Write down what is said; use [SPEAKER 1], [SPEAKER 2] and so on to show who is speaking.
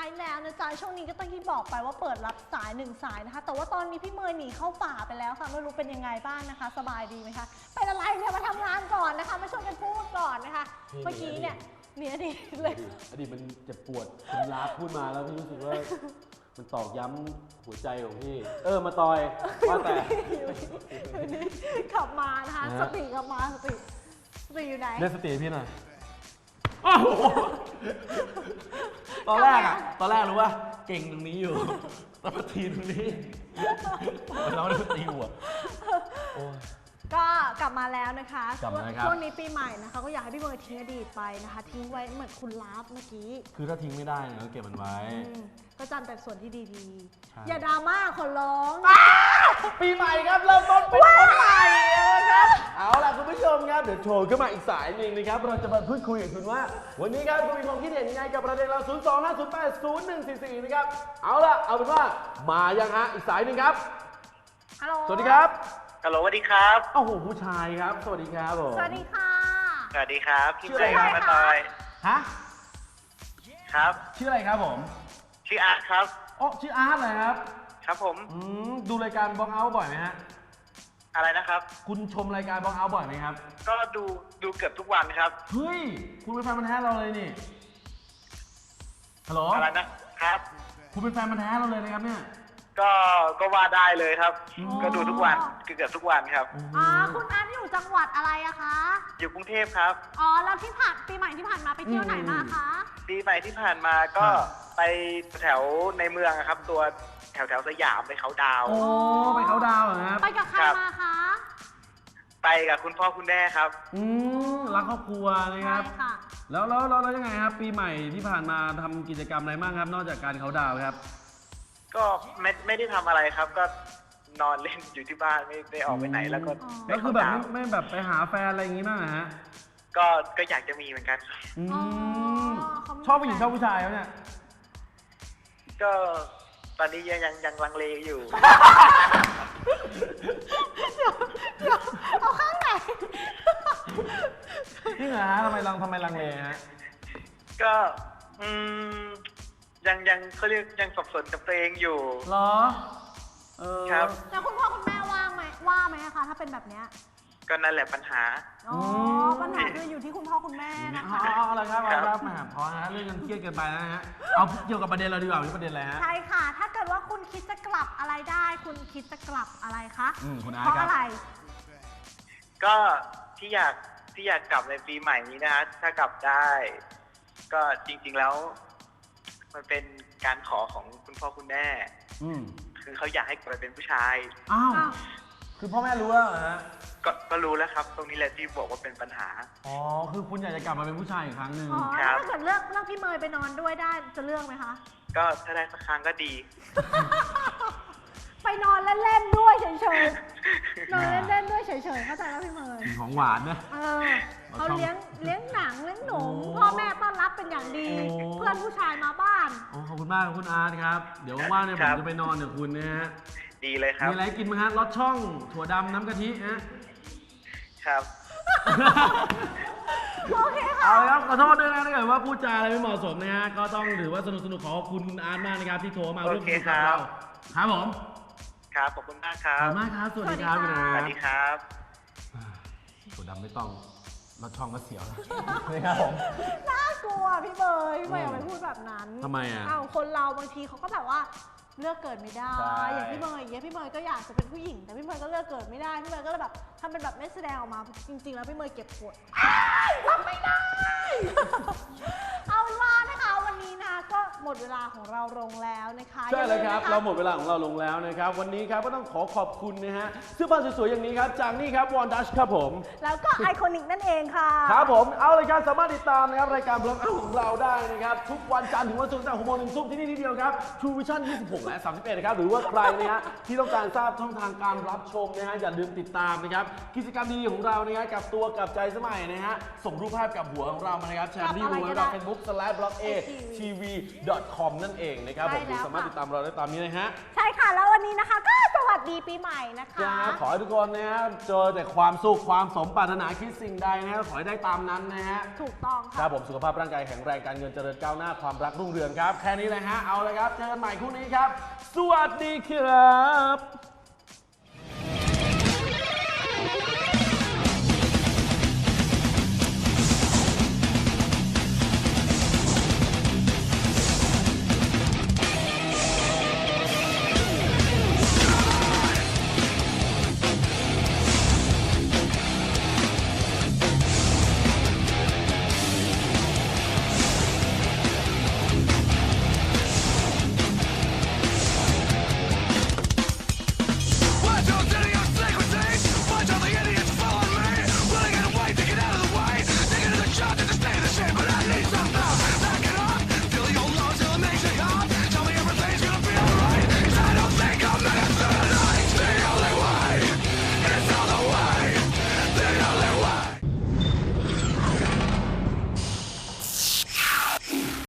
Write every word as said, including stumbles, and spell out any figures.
[SPEAKER 1] ายแล้วนะจ๊ะช่วงนี้ก็ต้องที่บอกไปว่าเปิดรับสายหนึ่งสายนะคะแต่ว่าตอนนี้พี่เมย์หนีเข้าป่าไปแล้วค่ะไม่รู้เป็นยังไงบ้างนะคะสบายดีไหมคะเป็นอะไรเนี่ยมาทำงานก่อนนะคะมาช่วยกันพูดก่อนนะคะเมื่อกี้เนี่ยมีอดีตเลย
[SPEAKER 2] อดีตมันเจ็บปวดคุณลาพูดมาแล้วพี่รู้สึกว่ามันตอกย้ำหัวใจของพี่เออมาตอยว่าแต่
[SPEAKER 1] ขับมานะคะสติขับมาสติสติอยู่ไหน
[SPEAKER 2] เรียกสติพี่หน่อยตอนแรกอะตอนแรกรู้ว่าเก่งตรงนี้อยู่ตอนมาทีตรงนี้เราได้ตีหัว
[SPEAKER 1] ก็กลับมาแล้วนะคะ
[SPEAKER 2] ช่
[SPEAKER 1] วงนี้ปีใหม่นะคะก็อยากให้พี่เมย์ทิ้งอดีตไปนะคะทิ้งไว้เหมือนคุณลาฟเมื่อกี้
[SPEAKER 2] คือถ้าทิ้งไม่ได้เราเก็บมันไว้
[SPEAKER 1] ก็จำแต่ส่วนที่ดีๆอย่าดราม่าคนร้อง
[SPEAKER 2] ปีใหม่ครับเริ่มต้นเป็นคนใหม่ครับเอาล่ะคุณผู้ชมครับเดี๋ยวโทรขึ้นมาอีกสายหนึ่งนะครับเราจะมาพูดคุยกับคุณว่าวันนี้ครับคุณมีความคิดเห็นยังไงกับประเด็นเราศูนย์ สอง ห้า ศูนย์ แปด ศูนย์ หนึ่ง สี่ สี่นะครับเอาล่ะเอาเป็นว่ามายังฮะอีกสายหนึ่งครับ
[SPEAKER 1] ฮัลโหล
[SPEAKER 2] สวัสดีครับ
[SPEAKER 3] ฮัลโหลสวัสดีครับ
[SPEAKER 2] โอ้โหผู้ชายครับสวัสดีครับผม
[SPEAKER 1] สวัสดีค่ะ
[SPEAKER 3] สวัสดีครับชื่ออะไรครับมาตอย
[SPEAKER 2] ฮะ
[SPEAKER 3] ครับ
[SPEAKER 2] ชื่ออะไรครับผม
[SPEAKER 3] ชื่ออาร์ตครับ
[SPEAKER 2] อ๋อชื่ออาร์ตเลยครับ
[SPEAKER 3] ครับผม
[SPEAKER 2] อืมดูรายการบล็อกเอาท์บ่อยไหมฮะ
[SPEAKER 3] อะไรนะครับ
[SPEAKER 2] คุณชมรายการบล็อกเอาท์บ่อยไหมครับ
[SPEAKER 3] ก็ดูดูเกือบทุกวันครับ
[SPEAKER 2] เฮ้ยคุณเป็นแฟนพันธุ์แท้เราเลยนี่ฮัลโหล
[SPEAKER 3] อะไรนะครับ
[SPEAKER 2] คุณเป็นแฟนพันธุ์แท้เราเลยนะครับเนี่ย
[SPEAKER 3] ก็ก็ว่าได้เลยครับก็ดูทุกวันเกือบทุกวันครับ
[SPEAKER 1] อ๋อคุณอาร์ตอยู่จังหวัดอะไรอะคะ
[SPEAKER 3] อยู่กรุงเทพครับ
[SPEAKER 1] อ๋อแล้วที่ผ่านปีใหม่ที่ผ่านมาไปเที่ยวไหนมาคะ
[SPEAKER 3] ปีใหม่ที่ผ่านมาก็ไปแถวในเมืองครับตัวแถวแถวสยามไปเขาดาว
[SPEAKER 2] โอ้ไปเขาดาวเหรอครับ
[SPEAKER 1] ไปกับใครมาคะ
[SPEAKER 3] ไปกับคุณพ่อคุณแม่ครับ
[SPEAKER 2] อืมรักครอบครัวนะครับแล้วแล้วแล้วยังไงครับปีใหม่ที่ผ่านมาทำกิจกรรมอะไรบ้างครับนอกจากการเขาดาวครับ
[SPEAKER 3] ก็ไม่ไม่ได้ทำอะไรครับก็นอนเล่นอยู่ที่บ้านไม่ได้ออกไปไหนแล้วก็
[SPEAKER 2] แล้วคือแบบไม่แบบไปหาแฟนอะไรอย่างงี้บ้างฮะ
[SPEAKER 3] ก็ก็อยากจะมีเหมือนกัน
[SPEAKER 2] ชอบผู้หญิงชอบผู้ชายเนี่ย
[SPEAKER 3] ก็ตอนนี้ยังยังยังลังเลอยู่
[SPEAKER 1] เดี๋ยวเอาข้างไหน
[SPEAKER 2] นี่เหรอฮะทำไมลังทำไมลังเลฮะ
[SPEAKER 3] ก็อืมยังยังเขาเรียกยังสับสนกับตัวเองอยู่
[SPEAKER 2] เหรอ
[SPEAKER 3] เออครับ
[SPEAKER 1] แล้วคุณพ่อคุณแม่ว่างไหมว่าไหมคะถ้าเป็นแบบเนี้ย
[SPEAKER 3] ก็นั่นแหละปัญหา
[SPEAKER 1] อ๋อปัญหาคืออยู่ที่คุณพ่อคุณแม่นะคะ
[SPEAKER 2] เอาอะไรครับเอาครับมาพอนะเรื่องเงินเครียดเกินไปนะฮะเอาเกี่ยวกับประเด็นเราดีกว่าประเด็นอะไรฮะ
[SPEAKER 1] ใช่ค่ะถ้าเกิดว่าคุณคิดจะกลับอะไรได้คุณคิดจะกลับอะไรคะ
[SPEAKER 2] อืมคุณอา
[SPEAKER 1] เพราะอะไร
[SPEAKER 3] ก็ที่อยากที่อยากกลับในปีใหม่นี้นะฮะถ้ากลับได้ก็จริงๆแล้วมันเป็นการขอของคุณพ่อคุณแม่คือเขาอยากให้กลับไปเป็นผู้ชาย
[SPEAKER 2] อ้าวคือพ่อแม่รู้แล้วเหรอฮะ
[SPEAKER 3] ก็ก็รู้แล้วครับตรงนี้แหละที่บอกว่าเป็นปัญหา
[SPEAKER 2] อ๋อคือคุณอยากจะกลับมาเป็นผู้ชายอีกครั้งหนึ่ง
[SPEAKER 1] อ๋อถ้าเกิดเลือกเลือกพี่เมย์ไปนอนด้วยได้จะเลือกไหมคะ
[SPEAKER 3] ก็ถ้าได้สักครั้งก็ดี
[SPEAKER 1] ไปนอนเล่นๆด้วยเฉยๆนอนเล่นๆด้วยเฉยๆเข้าใจแล้วพี่เมย์
[SPEAKER 2] ของหวานนะ
[SPEAKER 1] เออเขาเลี้ยงเลี้ยงหนังเลี้ยงหนูพ่อแม่ต้อนรับเป็นอย่างดีเพื่อนผู้ชายมาบ้าน
[SPEAKER 2] โอ้ขอบคุณมากคุณอาร์ตครับเดี๋ยวว่างๆเนี่ยผมจะไปนอนกับคุณนะฮะ
[SPEAKER 3] ดีเลยครับ
[SPEAKER 2] มีอะไรกินไหมฮะรสช่องถั่วดำน้ำกะทิฮะ
[SPEAKER 3] ครับ
[SPEAKER 1] โอเคค่ะ
[SPEAKER 2] เอาครับขอโทษด้วยนะถ้าเกิดว่าพูดจาอะไรไม่เหมาะสมนะฮะก็ต้องถือว่าสนุกสนุกขอบคุณคุณอาร์ตมากนะครับที่โทรมาร่วมคุยกับเราครับผม
[SPEAKER 3] ครับขอบคุณมากครับ
[SPEAKER 2] ขอบคุณมากครับสวัสดีครับคุณอาร์ต
[SPEAKER 3] สวัสดีครับ
[SPEAKER 2] ถั่วดำไม่ต้องรสช่องก็เสียวนะครับผม
[SPEAKER 1] น่ากลัวพี่เบย์พี่เบย์อย่าไปพูดแบบนั้น
[SPEAKER 2] ทำไมอ่ะ
[SPEAKER 1] อ้าวคนเราบางทีเขาก็แบบว่าเลือกเกิดไม่ได้อย่างพี่เมย์อย่างเงี้ยพี่เมย์ก็อยากจะเป็นผู้หญิงแต่พี่เมย์ก็เลือกเกิดไม่ได้พี่เมย์ก็เลยแบบทำเป็นแบบไม่แสดงออกมาจริงๆแล้วพี่เมย์เก็บกดทำไม่ได้เอาเป็นว่านะคะวันนี้นะก็หมดเวลาของเราลงแล้วนะคะ
[SPEAKER 2] ใช่เลยครับเราหมดเวลาของเราลงแล้วนะครับวันนี้ครับก็ต้องขอขอบคุณนะฮะเสื้อผ้าสวยๆอย่างนี้ครับจากนี่ครับวอนดัชครับผม
[SPEAKER 1] แล้วก็ไอคอนิกนั่นเองค่ะ
[SPEAKER 2] ครับผมเอาเลยครับสามารถติดตามนะครับรายการบล็อกเอาของเราได้นะครับทุกวันจันทร์ถึงวันศุกร์ตั้งแต่หกโมงถึงทุ่มที่นี่ที่เดียวครับ True Vision ยี่สิบหกและสามสิบเอ็ดนะครับหรือว่าใครนะฮะที่ต้องการทราบช่องทางการรับชมนะฮะอย่าลืมติดตามนะครับกิจกรรมดีของเรานะฮะกับตัวกับใจสมัยนะฮะส่งรูปภาพกับหัวของเรามานะครับแชร์ที่ดูไว้กับ Facebook สแลช บล็อกเอ ทีทีวี ดอท คอม นั่นเองนะครับผม
[SPEAKER 1] ใช่แล้ว
[SPEAKER 2] สามารถ
[SPEAKER 1] ค่ะ
[SPEAKER 2] ติดตามเราได้ตามนี้นะฮะ
[SPEAKER 1] ใช่ค่ะแล้ววันนี้นะคะ ก็สวัสดีปีใหม่นะคะ
[SPEAKER 2] ครับขอให้ทุกคนนะฮะเจอแต่ความสุขความสมปรารถนาคิดสิ่งใดนะฮะขอให้ได้ตามนั้นนะฮะ
[SPEAKER 1] ถูกต้อง
[SPEAKER 2] ค
[SPEAKER 1] ค่ะ
[SPEAKER 2] รับผมสุขภาพร่างกายแข็งแรงการเงินเจริญก้าวหน้าความรักรุ่งเรืองครับ แค่นี้เลยฮะเอาเลยครับเจอกันใหม่คู่นี้ครับ สวัสดีครับ